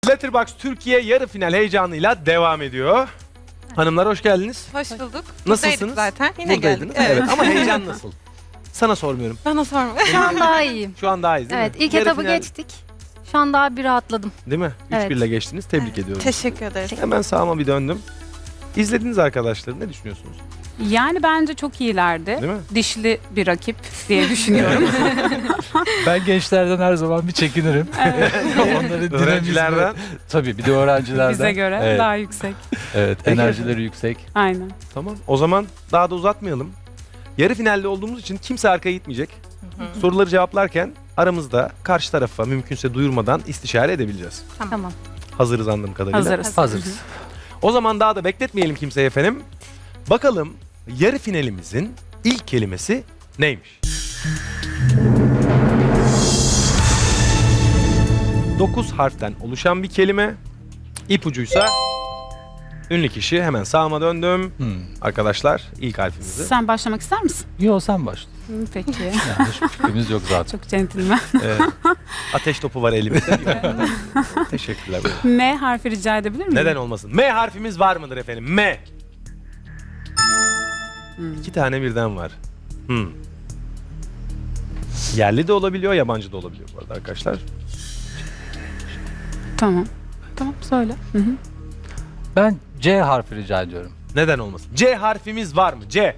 Letterboxd Türkiye yarı final heyecanıyla devam ediyor. Hanımlar hoş geldiniz. Hoş bulduk. Nasılsınız? Buradaydık zaten. Yine Buradaydınız. geldik. Evet. Ama heyecan nasıl? Sana sormuyorum. Bana sorma. Şu an daha iyiyim. Şu an daha iyiyiz değil Evet, mi? ilk Yarı etabı final- geçtik. Şu an daha bir rahatladım. Değil mi? 3-1 Evet. ile geçtiniz. Tebrik ediyorum. Teşekkür ederiz. Hemen sağıma bir döndüm. İzlediniz arkadaşlar. Ne düşünüyorsunuz? Yani bence çok iyilerdi. Değil mi? Dişli bir rakip diye düşünüyorum. Ben gençlerden her zaman bir çekinirim. Onların Öğrencilerden. dinamizmi. Tabii bir de öğrencilerden. Bize göre Evet, daha yüksek. evet Peki. enerjileri yüksek. Aynen. Tamam. O zaman daha da uzatmayalım. Yarı finalde olduğumuz için kimse arkaya gitmeyecek. Soruları cevaplarken aramızda karşı tarafa mümkünse duyurmadan istişare edebileceğiz. Tamam. Hazırız anladığım kadarıyla. Hazırız. Hazırız. O zaman daha da bekletmeyelim kimseyi efendim. Bakalım yarı finalimizin ilk kelimesi neymiş? 9 harften oluşan bir kelime. İpucuysa ünlü kişi. Hemen sağıma döndüm. Arkadaşlar ilk harfimizi. Sen başlamak ister misin? Yo sen başla. Peki. Yani hiçbir fikrimiz yok zaten. Çok centilmen. Evet. Ateş topu var elimizde. Teşekkürler. M harfi rica edebilir miyim? Neden olmasın? M harfimiz var mıdır efendim? M. 2 tane birden var. Yerli de olabiliyor, yabancı da olabiliyor bu arada arkadaşlar. Tamam. Tamam söyle. Hı hı. Ben C harfi rica ediyorum. Neden olmasın? C harfimiz var mı? C.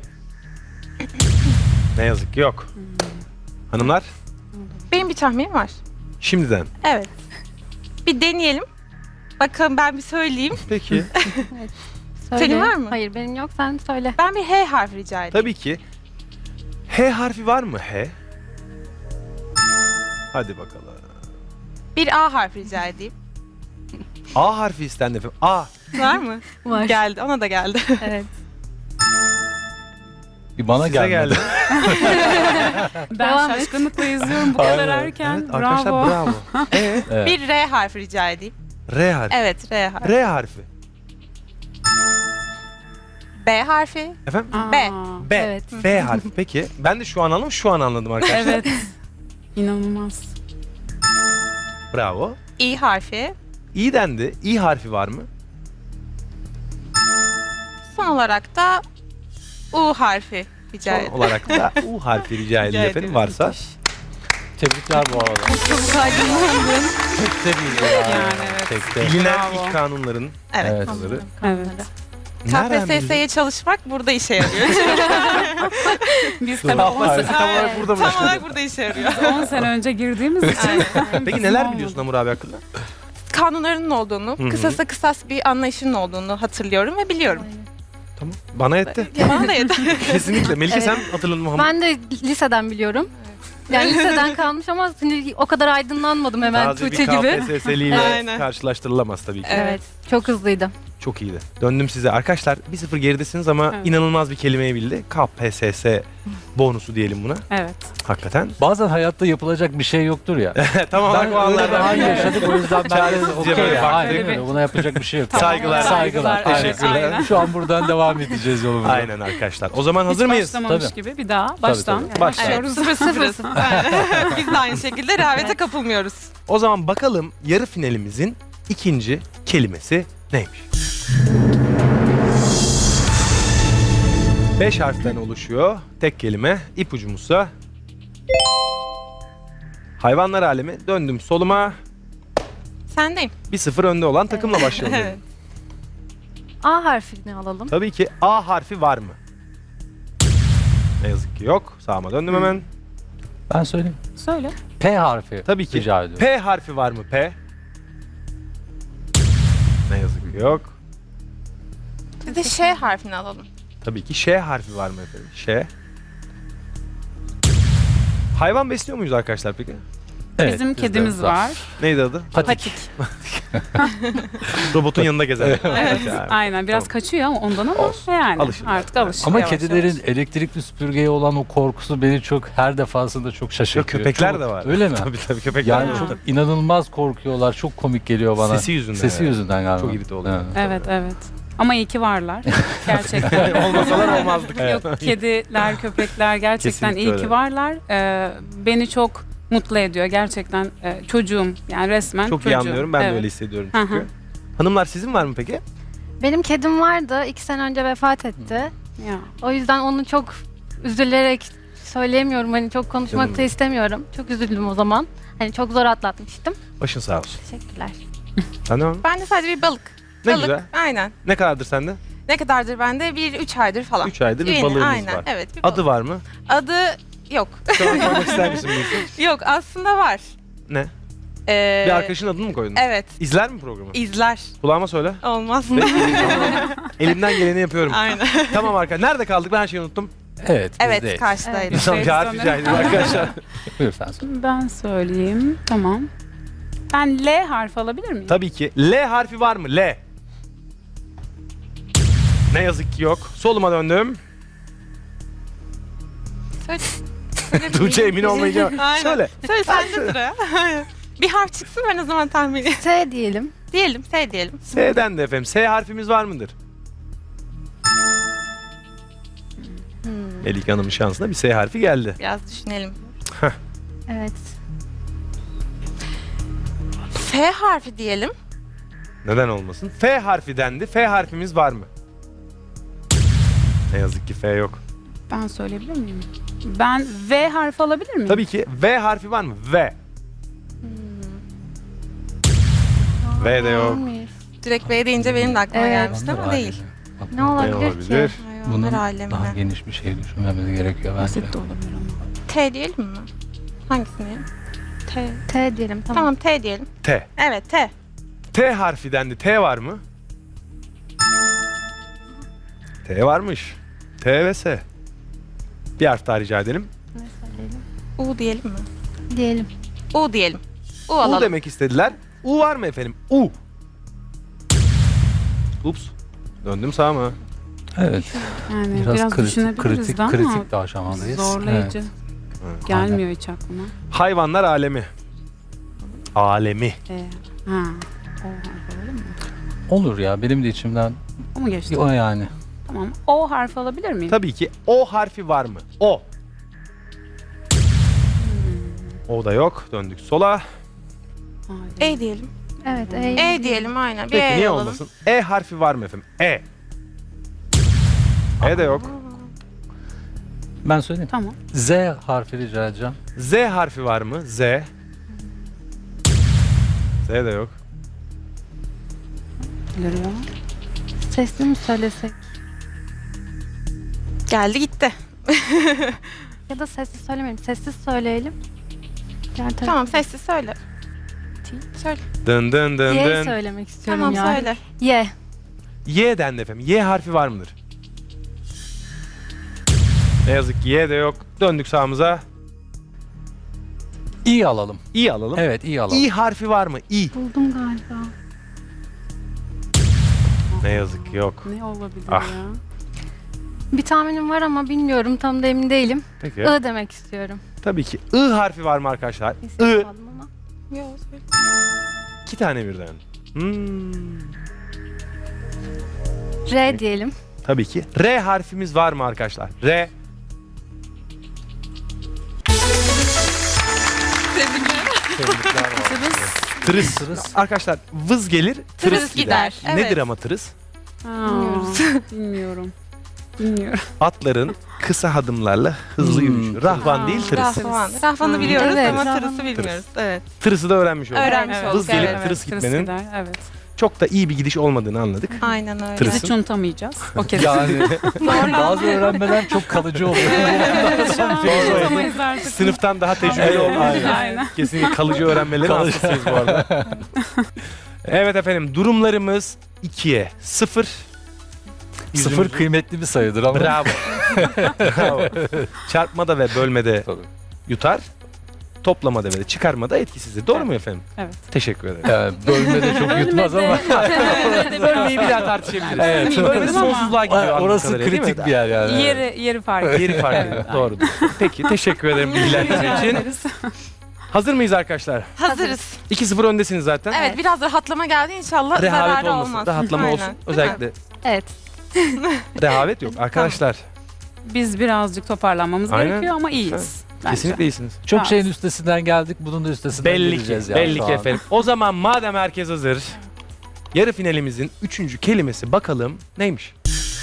Ne yazık ki yok. Hanımlar, Benim bir tahminim var. şimdiden. Evet. Bir deneyelim. Bakalım ben bir söyleyeyim. Peki. Söyle. Senin var mı? Hayır, benim yok. Sen söyle. Ben bir H harfi rica edeyim. Tabii ki. H harfi var mı? H. Hadi bakalım. Bir A harfi rica edeyim. A harfi istendi efendim. A. Var mı? Var. Geldi. Ona da geldi. Evet. Bir bana Size gelmedi. geldi. Ben Devam et. şaşkınlıkla izliyorum bu kadar Aynen. erken. Evet, arkadaşlar Bravo. bravo. Evet. Bir R harfi rica edeyim. R harfi. Evet, R harfi. R harfi. B harfi. Efendim? Aa, B. B. Evet. B harfi. Peki. Ben de şu an anladım, şu an anladım arkadaşlar. Evet. İnanılmaz. Bravo. İ harfi. İ dendi. İ harfi var mı? Son olarak da U harfi rica Son edeyim. olarak da U harfi rica edeyim efendim ederim. varsa. Tebrikler bu arada. Çok aydınlandım. Tekte değil yani. Yani evet. Tekte. Bilinen Bravo. ilk kanunların. Evet. Evet. anladım. Evet. Nereden bildin? KPSS'ye çalışmak burada işe yarıyor. Biz tabii Tam 10 olarak sene, burada mı? Tam olarak burada işe yarıyor. 10 sene önce girdiğimiz için. Peki neler biliyorsun Hamur abi hakkında? Kanunlarının olduğunu, Hı hı. kısasa kısas bir anlayışının olduğunu hatırlıyorum ve biliyorum. Tamam. Bana yetti. Bana da yeter. Kesinlikle. Melike Evet. sen hatırladın mı Hamur? Ben de liseden biliyorum. Yani liseden kalmış ama şimdi o kadar aydınlanmadım hemen Taze Tuğçe bir gibi. KPSS'liyle Aynen. karşılaştırılamaz tabii ki. Evet. Çok hızlıydı. Çok iyiydi. Döndüm size. Arkadaşlar 1-0 geridesiniz ama Evet. inanılmaz bir kelimeyi bildi. KPSS bonusu diyelim buna. Evet. Hakikaten. Bazen hayatta yapılacak bir şey yoktur ya. Tamam. Ben öyle bir an yaşadık o yüzden ben de Çaresizce okey böyle ya. baktık. Aynen öyle. Buna yapacak bir şey yok. Tamam. Saygılar. Saygılar. Teşekkürler. Aynen. Şu an buradan devam edeceğiz yolumuza. Aynen arkadaşlar. O zaman hazır Hiç mıyız? başlamamış Tabii. gibi bir daha baştan. tabii. Başlıyoruz. Evet, sıfırız. Biz de aynı şekilde rehavete kapılmıyoruz. O zaman bakalım yarı finalimizin ikinci kelimesi neymiş? 5 harften oluşuyor. Tek kelime. İpucumuzsa hayvanlar alemi. Döndüm soluma. Sendeyim. 1-0 önde olan takımla başlayalım. Evet. A harfini alalım. Tabii ki A harfi var mı? Ne yazık ki yok. Sağıma döndüm hemen. Ben söyleyeyim. Söyle. P harfi Tabii ki. rica ediyorum. P harfi var mı? P. Ne yazık ki yok. Bir de Ş harfini alalım. Tabii ki Ş harfi var mı efendim? Ş. Hayvan besliyor muyuz arkadaşlar peki? Evet, Bizim bizde kedimiz var. Neydi adı? Patik. Robotun yanında gezen. Evet. Yani. Aynen biraz Tamam. kaçıyor ama ondan ama Olsun. yani Alışırlar. artık alışıyor. Ama yavaş kedilerin yavaş. elektrikli süpürgeye olan o korkusu beni çok her defasında çok Yok, şaşırtıyor. köpekler Çok- de var. Öyle mi? Tabii köpekler Yani de var. çok inanılmaz korkuyorlar. Çok komik geliyor bana. Sesi yüzünden. Sesi yani. yüzünden galiba. Çok irite oluyor. Evet evet. Ama iyi ki varlar. Gerçekten. Olmasalar olmazdık. Yok kediler, köpekler gerçekten Kesinlikle iyi öyle. ki varlar. Beni çok mutlu ediyor gerçekten. Çocuğum yani resmen Çok çocuğum. iyi anlıyorum. Ben de Evet. öyle hissediyorum Hı çünkü. hı. Hanımlar sizin var mı peki? Benim kedim vardı. 2 sene önce vefat etti. Ya. O yüzden onu çok üzülerek söyleyemiyorum. Hani çok konuşmak Canım. da istemiyorum. Çok üzüldüm o zaman. Hani çok zor atlatmıştım. Başın sağ olsun. Teşekkürler. Sen de mi? Ben de sadece bir balık. Ne Balık. güzel. Aynen. Ne kadardır sende? Ne kadardır bende? 3 aydır falan. 3 aydır bir Yeni, balığımız aynen. var. Evet. Bir balık. Adı var mı? Adı yok. Şu an koymak ister misin bu işi? Yok aslında var. Ne? Ee, Bir arkadaşın adını mı koydun? Evet. İzler mi programı? İzler. Kulağıma söyle. Olmaz. Elimden geleni yapıyorum. Aynen. Tamam arkadaşlar. Nerede kaldık? Ben her şeyi unuttum. Evet, Evet bizdeyiz. karşıdaydı. İnsan Evet, bir harf sanırım. rica edeyim arkadaşlar. Buyur sen söyle. Ben söyleyeyim. Tamam. Ben L harfi alabilir miyim? Tabii ki. L harfi var mı? L. Ne yazık ki yok. Soluma döndüm. Söyle. Tuğçe emin olmayınca. Aynen. Söyle. Söyle sende sıra. Bir harf çıksın ben o zaman tahmin edeyim. S diyelim. Diyelim, S diyelim. S'den de efendim. S harfimiz var mıdır? Melike Hanım'ın şansına bir S harfi geldi. Biraz düşünelim. Evet. F harfi diyelim. Neden olmasın? F harfi dendi. F harfimiz var mı? Ne yazık ki F yok. Ben söyleyebilir miyim? Ben V harfi alabilir miyim? Tabii ki V harfi var mı? V. V de yok. Neymiş? Direkt B deyince benim de aklıma Evet. gelmişti ama değil. Ne olabilir, olabilir? ki? Hayvanlar Bunun alemine. daha geniş bir şey düşünmemiz gerekiyor bence. Basit de olabilir ama. T diyelim mi? Hangisini diyelim? T. T diyelim. Tamam. Tamam T diyelim. T. Evet T. T harfi dendi. T var mı? T varmış. T ve S. Bir harf daha rica edelim. Ne söyleyelim? U diyelim mi? Diyelim. U diyelim. U U alalım. demek istediler. U var mı efendim? U. Ups. Döndüm sağa mı? Evet. Yani Biraz, biraz, düşünebiliriz kritik de ama kritik bir aşamadayız. zorlayıcı. Evet. Gelmiyor hiç aklıma. Hayvanlar alemi. Alemi. Ha. O harfi alabilir mi? Olur ya, benim de içimden O mu geçti? o yani. Tamam. O harfi alabilir miyim? Tabii ki O harfi var mı? O. O da yok. Döndük sola. Hayır. E diyelim. Evet. E diyelim aynen. Bir Peki E niye alalım. olmasın? E harfi var mı efendim? E. E de yok. Ben söyleyeyim. Tamam. Z harfi rica edeceğim. Z harfi var mı? Z. Z de yok. Geliyor. Sesli mi söylesek? Geldi gitti. Ya da sessiz söylemeyelim. Sessiz söyleyelim. Diğer taraf- Tamam sessiz söyle. Söyle. Dın dın dın Y dın. söylemek istiyorum Tamam ya. söyle. Y. Y dendi efendim. Y harfi var mıdır? Ne yazık ki Y de yok. Döndük sağımıza. İ alalım. İ alalım. Evet, İ alalım. İ harfi var mı? İ. Buldum galiba. Ne yazık ki yok. Ne olabilir Ah. ya? Bir tahminim var ama bilmiyorum. Tam da emin değilim. Peki. I demek istiyorum. Tabii ki. I harfi var mı arkadaşlar? Bir ses I. aldım ama. Yok söyle. 2 tane birden. R diyelim. Tabii ki. R harfimiz var mı arkadaşlar? R. Tırıs. Tırıs. Arkadaşlar vız gelir, tırıs, Tırıs gider. gider, Nedir evet. ama tırıs? Bilmiyorum. Bilmiyorum. Atların kısa adımlarla hızlı yürüyüşü. Rahvan Aa, değil tırıs. Rahvan. Rahvan'ı Hmm. biliyoruz Evet, ama Rahvan. tırısı bilmiyoruz. Evet. Tırısı da öğrenmiş olduk. Öğrenmiş Evet. olduk. Vız gelip evet. tırıs Tırıs gitmenin gider, evet. çok da iyi bir gidiş olmadığını anladık. Aynen öyle. Tırıs. Biz hiç unutamayacağız. O kesin. Yani bazı öğrenmeler çok kalıcı oluyor. Unutamayız artık. Sınıftan daha tecrübeli olduğumuz için Aynen. kesinlikle kalıcı öğrenmelerin Kalıcı. hastasıyız bu arada. Evet efendim durumlarımız 2'ye 0. Sıfır kıymetli bir sayıdır ama. Bravo. Bravo. Çarpmada ve bölmede Tabii. yutar. Toplamada ve çıkarmada etkisizdir. Doğru mu efendim? Evet. Teşekkür ederim. Yani bölmede çok yutmaz ama. Bölmeyi bir daha tartışabiliriz. Evet. Bölmede sonsuzluğa gidiyor. anladığım Orası kadarıyla, değil mi? kritik bir yer yani. Yeri fark ediyor. Yeri fark ediyor. Evet, Doğru. Peki teşekkür ederim bilgilendirme için. ederiz. Hazır mıyız arkadaşlar? Hazırız. 2-0 öndesiniz zaten. Evet biraz rahatlama geldi inşallah Rehavet zararı olmasın. olmaz. Rahatlama Aynen. olsun. Değil mi? Özellikle Evet. rehavet yok. Arkadaşlar Biz birazcık toparlanmamız Aynen. gerekiyor ama iyiyiz. bence. Kesinlikle iyisiniz. Çok Evet. şeyin üstesinden geldik. Bunun da üstesinden Belli ki, geleceğiz yani belli şu ki an. efendim. O zaman madem herkes hazır, yarı finalimizin 3. kelimesi bakalım neymiş?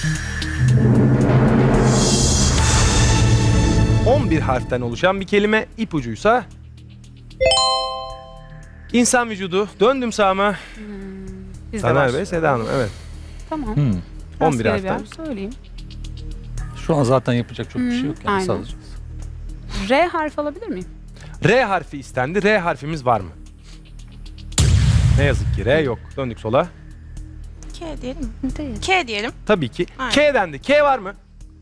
11 harften oluşan bir kelime, ipucuysa insan vücudu. Döndüm sağıma. Biz de Taner Bey, başlıyoruz. Seda Hanım, evet. Tamam. Hmm. 11 Rastgele bir harften. harf söyleyeyim. Şu an zaten yapacak çok bir şey yok yani aynen. sadece. R harf alabilir miyim? R harfi istendi. R harfimiz var mı? Ne yazık ki R yok. Döndük sola. K diyelim mi? Değil. K diyelim. Tabii ki. Aynen. K dendi. K var mı?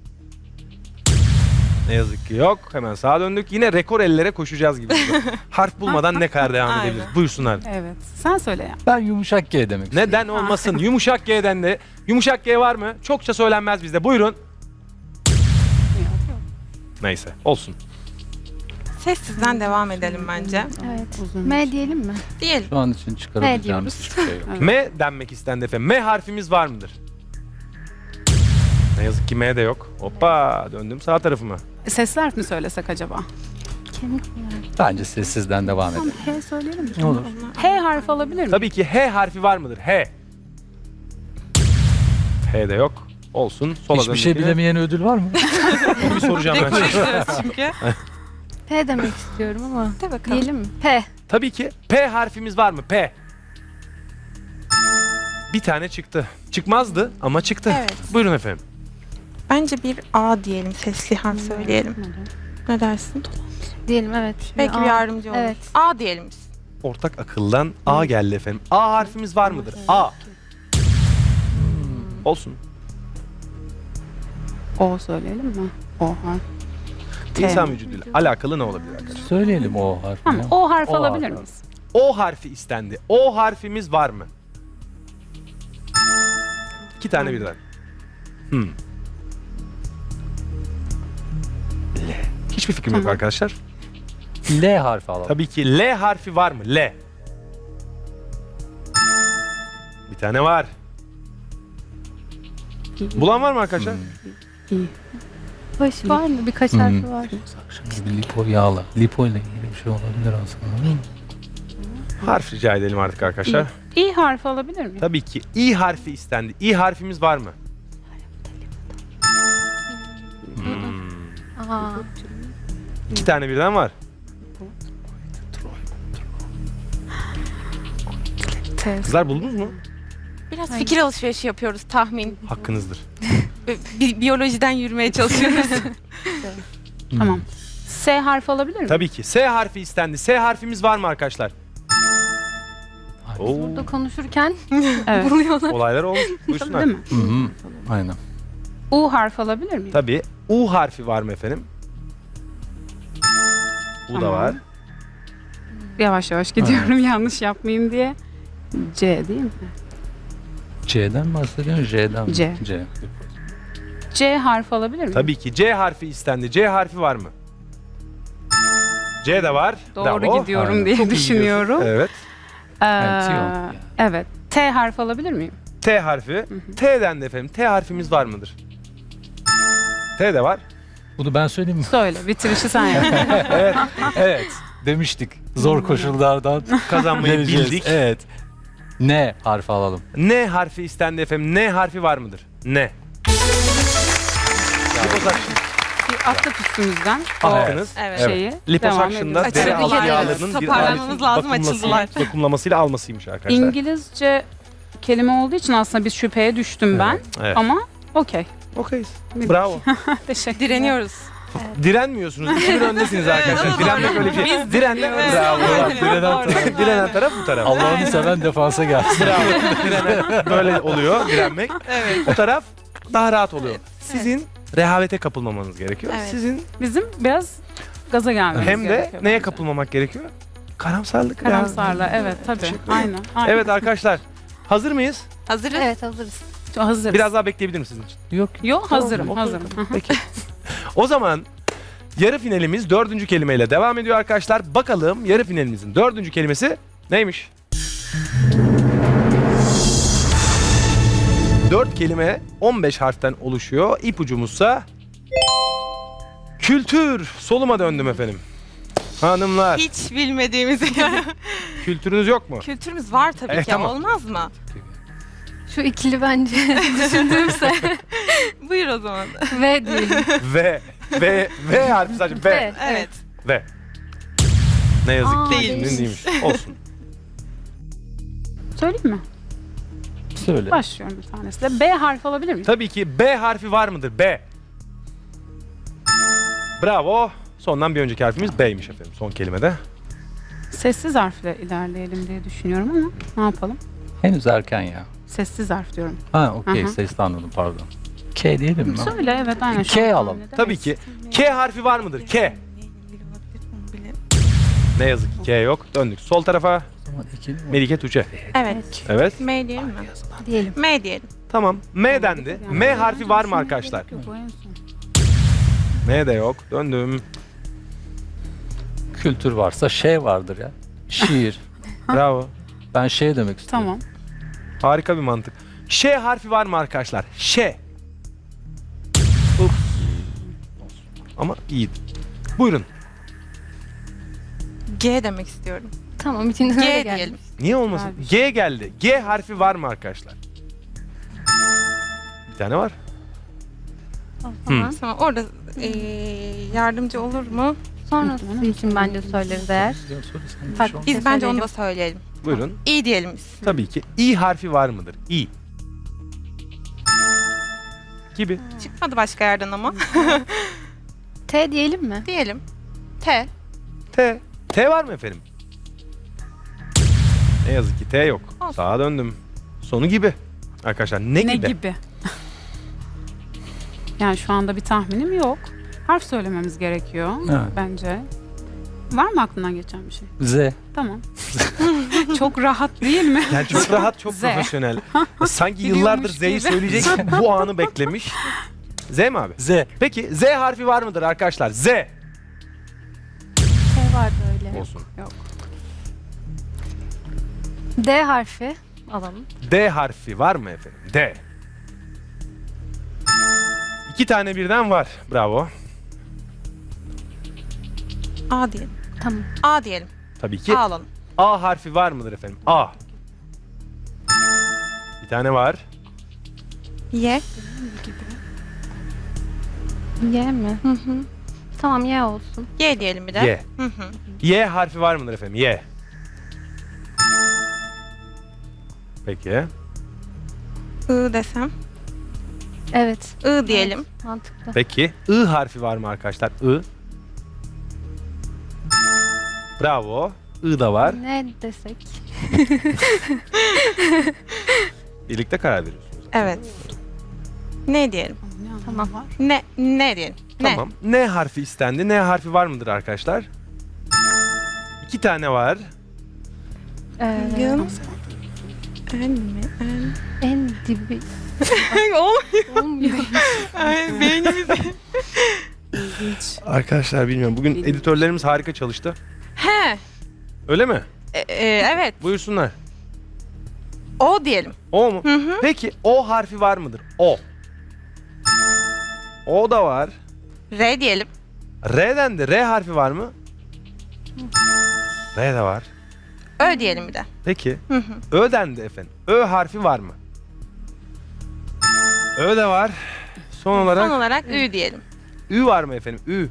Ne yazık ki yok. Hemen sağa döndük. Yine rekor ellere koşacağız gibi. Harf bulmadan ne kadar devam Aynen. edebiliriz? Buyursunlar. Evet. Sen söyle ya. Ben yumuşak G demek istiyorum. Neden olmasın? Yumuşak G'den de. Yumuşak G var mı? Çokça söylenmez bizde. Buyurun. Yok, yok. Neyse. Olsun. Sessizden devam edelim bence. Evet. Uzun. M diyelim mi? Diyelim. Şu an için çıkarabileceğimiz diyoruz. hiçbir şey yok. Evet. M denmek istendi efendim. M harfimiz var mıdır? Ne yazık ki M de yok. Hoppa. Döndüm sağ tarafıma. Sesli harf mi söylesek acaba? Kemik mi? Bence sessizden devam Tamam, edelim. H söyleyelim mi? Ne olur. H harf alabilir miyim? Tabii ki H harfi var mıdır? H. H de yok. Olsun. Sola Hiçbir şey döndük yine. bilemeyen ödül var mı? Bunu bir soracağım ben. Çünkü. P demek istiyorum ama. De bakalım. Diyelim mi? P. Tabii ki P harfimiz var mı? P. Bir tane çıktı. Çıkmazdı ama çıktı. Evet. Buyurun efendim. Bence bir A diyelim. Sesli harf söyleyelim. Ne dersin? Diyelim evet. Belki A. bir yardımcı olur. Evet. A diyelim biz. Ortak akıldan A geldi efendim. A harfimiz var mıdır? A. Olsun. O söyleyelim mi? O harf. T. İnsan vücuduyla alakalı ne olabilir arkadaşlar? Söyleyelim o harfi. Tamam. ya. O harf O alabilir harf. miyiz? O harfi istendi. O harfimiz var mı? 2 tane birden. L. Hiçbir fikrim yok Tamam. arkadaşlar. L harfi alalım. Tabii ki L harfi var mı? L. Bir tane var. Bulan var mı arkadaşlar? Hmm. Baş var mı? Birkaç Hmm. harfi var. Bir lipo yağla. Lipo ile ilgili bir şey olabilir aslında. Harf rica edelim artık arkadaşlar. İ harfi alabilir miyim? Tabii ki İ harfi istendi. İ harfimiz var mı? Aa. 2 tane birden var. T. Kızlar buldunuz mu? Biraz fikir alışverişi yapıyoruz, tahmin. Hakkınızdır. Biyolojiden yürümeye çalışıyoruz. Tamam. S harfi alabilir miyim? Tabii ki. S harfi istendi. S harfimiz var mı arkadaşlar? Oo, Burada konuşurken Evet. buluyorlar. olaylar olmuş. Değil Buyursunlar. mi? Hı hı. Aynen. U harfi alabilir miyim? Tabii. U harfi var mı efendim? U da Tamam. var. Yavaş yavaş gidiyorum yanlış yapmayayım diye. C değil mi? C'den mi bahsediyorsun? J'den mi? C. C. C harfi alabilir miyim? Tabii ki. C harfi istendi. C harfi var mı? C de var. Doğru Bravo. gidiyorum Aynen. diye Çok iyi düşünüyorum. Evet. Evet, yok. Evet. T harfi alabilir miyim? T harfi. T'den de efendim. T harfimiz var mıdır? T de var. Bunu ben söyleyeyim mi? Söyle. Bitirişi sen yap. Evet. Evet. Demiştik. Zor koşullardan Kazanmayı geleceğiz. bildik. Evet. N harfi alalım. N harfi istendi efendim. N harfi var mıdır? N. Bir atlat üstümüzden. Hakkınız. Evet. Şeyi. Liposuction'da Devam deri ediyoruz. altı Açıldılar, yağlarının evet. bir Toparlanmamız aletin lazım, açıldılar. vakumlamasıyla almasıymış arkadaşlar. İngilizce kelime olduğu için aslında bir şüpheye düştüm ben. Evet. Ama okey. Okeyiz. Bravo. Teşekkür Direniyoruz. Direnmiyorsunuz. 2-1 öndesiniz arkadaşlar. Direnmek öyle bir şey. Direnmek Evet. bravo. Direnen taraf. Direnen taraf bu taraf. Allah'ını seven defansa gelsin. Bravo. Direnen böyle oluyor. Direnmek. Evet. O taraf daha rahat oluyor. Sizin rehavete kapılmamanız gerekiyor. Evet. Sizin Bizim biraz gaza gelmemiz hem de gerekiyor neye bence. kapılmamak gerekiyor? Karamsarlık. Karamsarla. Evet tabii. Teşekkür ederim. Aynen. Evet arkadaşlar. Hazır mıyız? Hazırız. Evet hazırız. Hazırız. Biraz daha bekleyebilir misiniz sizin için? Yok. Yok hazırım. Tamam, Hazırım. Hı hı. Peki. O zaman yarı finalimiz 4. kelimeyle devam ediyor arkadaşlar. Bakalım yarı finalimizin 4. kelimesi neymiş? 4 kelime 15 harften oluşuyor. İpucumuzsa Kültür. Soluma döndüm efendim. Hanımlar. Hiç bilmediğimiz Kültürünüz yok mu? kültürümüz var tabii ki. Tamam. Olmaz mı? Şu ikili bence düşündüğümse Buyur o zaman. V diyelim. V harfi sadece V. V. Evet. V. Ne yazık Aa, ki değilmiş. değilmiş. Olsun. Söyleyeyim mi? Söyle. Başlıyorum bir tanesiyle. B harfi alabilir miyim? Tabii ki B harfi var mıdır? B. Bravo. Sondan bir önceki harfimiz B'ymiş efendim. Son kelimede. Sessiz harfle ilerleyelim diye düşünüyorum ama ne yapalım? Henüz erken ya. Sessiz harf diyorum. Ha okey, Hı hı. sesli anladım, pardon. K diyelim mi? Söyle, evet, aynen. şu K an alalım. tahmin Tabii edemeyiz. ki. K harfi var mıdır? K. Ne yazık ki K yok. Döndük sol tarafa. O zaman ikili mi? Melike Tuğçe. Evet. Evet. M diyelim mi? Diyelim. M diyelim. Tamam. M dendi. M harfi var mı arkadaşlar? Yok, bu en son. M de yok. Döndüm. Kültür varsa şey vardır ya. Şiir. Bravo. Ben şey demek istiyorum. Tamam. Harika bir mantık. Ş harfi var mı arkadaşlar? Ş. Uf. Ama iyiydi. Buyurun. G demek istiyorum. Tamam içinden öyle G geldi. diyelim. Niye olmasın? Güzel bir şey. G geldi. G harfi var mı arkadaşlar? Bir tane var. Tamam. Tamam orada yardımcı olur mu? Sonrası için bence söyleriz eğer. Farklı bir Biz şey bence onu söyleyelim. da söyleyelim. Buyurun. İ diyelim biz. Tabii ki. İ harfi var mıdır? İ. Gibi. Çıkmadı başka yerden ama. T diyelim mi? Diyelim. T. T. T var mı efendim? Ne yazık ki T yok. Olsun. Sağa döndüm. Sonu gibi. Arkadaşlar ne, Ne gibi? gibi? Yani şu anda bir tahminim yok. Harf söylememiz gerekiyor Evet. bence. Var mı aklından geçen bir şey? Z. Tamam. Çok rahat değil mi? Yani çok rahat, çok Z. profesyonel. Sanki Biliyormuş yıllardır Z'yi gibi. söyleyecek bu anı beklemiş. Z mi abi? Z. Peki Z harfi var mıdır arkadaşlar? Z. T vardı öyle. Olsun. D harfi alalım. D harfi var mı efendim? D. 2 tane birden var. Bravo. A diyelim. Tamam. A diyelim. Tabii ki. A alalım. A harfi var mıdır efendim? A. Bir tane var. Y. Y mi? Hı hı. Tamam Y olsun. Y diyelim bir de. Y. Hı hı. Y harfi var mıdır efendim? Y. Peki. I desem. Evet. I diyelim. Mantıklı. Peki. I harfi var mı arkadaşlar? I. Bravo. I da var. Ne desek? Birlikte karar veriyorsunuz. Evet. Ne diyelim? Tamam. Var. Ne diyelim? Ne? Tamam. N harfi istendi. N harfi var mıdır arkadaşlar? 2 tane var. Yın. En mi? En. En dibi Olmuyor. olmuyor. Ay, beynimiz. İlginç. Arkadaşlar bilmiyorum. Bugün Bilmiyorum. editörlerimiz harika çalıştı. He. Öyle mi? Evet. Buyursunlar. O diyelim. O mu? Hı hı. Peki O harfi var mıdır? O. O da var. R diyelim. R'den de R harfi var mı? R de var. Ö diyelim bir de. Peki. Hı hı. Ö'den de efendim. Ö harfi var mı? Ö de var. Son olarak Son olarak Ü diyelim. Ü var mı efendim? Ü.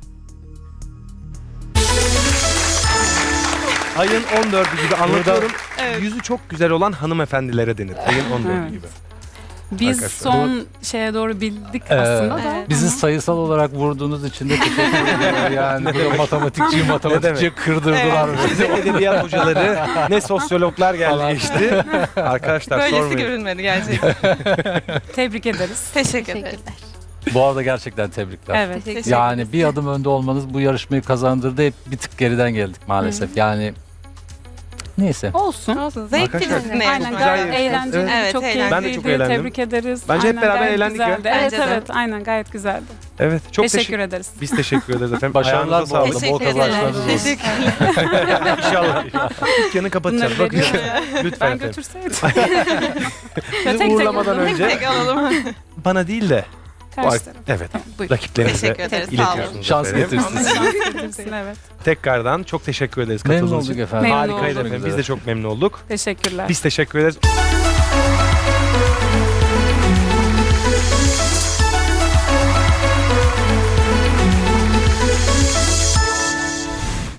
Ayın 14'ü gibi anlatıyorum. Evet. Yüzü çok güzel olan hanımefendilere denir. Ayın 14'ü Evet. gibi. Biz Arkadaşlar. son şeye doğru bildik Evet. aslında da. Evet. Bizi sayısal olarak vurduğunuz için de teşekkür ederim. Yani burada matematikçiyi kırdırdılar. Ne edebiyat hocaları ne sosyologlar geldi Falan. geçti. Arkadaşlar Böylesi sormayın. görünmedi gerçekten. Tebrik ederiz. Teşekkür ederiz. Teşekkürler. Bu arada gerçekten tebrikler. Evet. Teşekkür Yani ederiz. bir adım önde olmanız bu yarışmayı kazandırdı. Hep bir tık geriden geldik maalesef. Yani neyse. Olsun. Olsun. Zevkli Arkadaşlar, sizinle Aynen, yarışmak. güzel gayet yarıştınız. eğlenceli, Evet, çok eğlendim. Ben de çok keyifliydi. eğlendim. Tebrik ederiz. Bence hep beraber gayet eğlendik ya. güzeldi. Evet, Bence de. evet, aynen gayet güzeldi. Evet çok Teşekkür ederiz. Biz teşekkür ederiz efendim. Başarılar Ayağınıza bu arada. sağlık. Bol Teşekkür kazançlarınız ederim. olsun. Teşekkürler. İnşallah. Dükkanı kapatacağız. Bunları Bakın. veriyorum. Lütfen Ben efendim. götürseydim. Bizi tek uğurlamadan alalım. önce Tek alalım. bana değil de Karşı taraf. Evet. Buyurun. Rakiplerinize Teşekkür ederiz. Sağ olun. iletiyorsunuz. Şans efendim. getirsin. Getirsin, evet. Tekrardan çok teşekkür ederiz Memnun katıldığınız olduk için. efendim. Memnun Harikaydı olduk. efendim. Biz de çok memnun olduk. Teşekkürler. Biz teşekkür ederiz.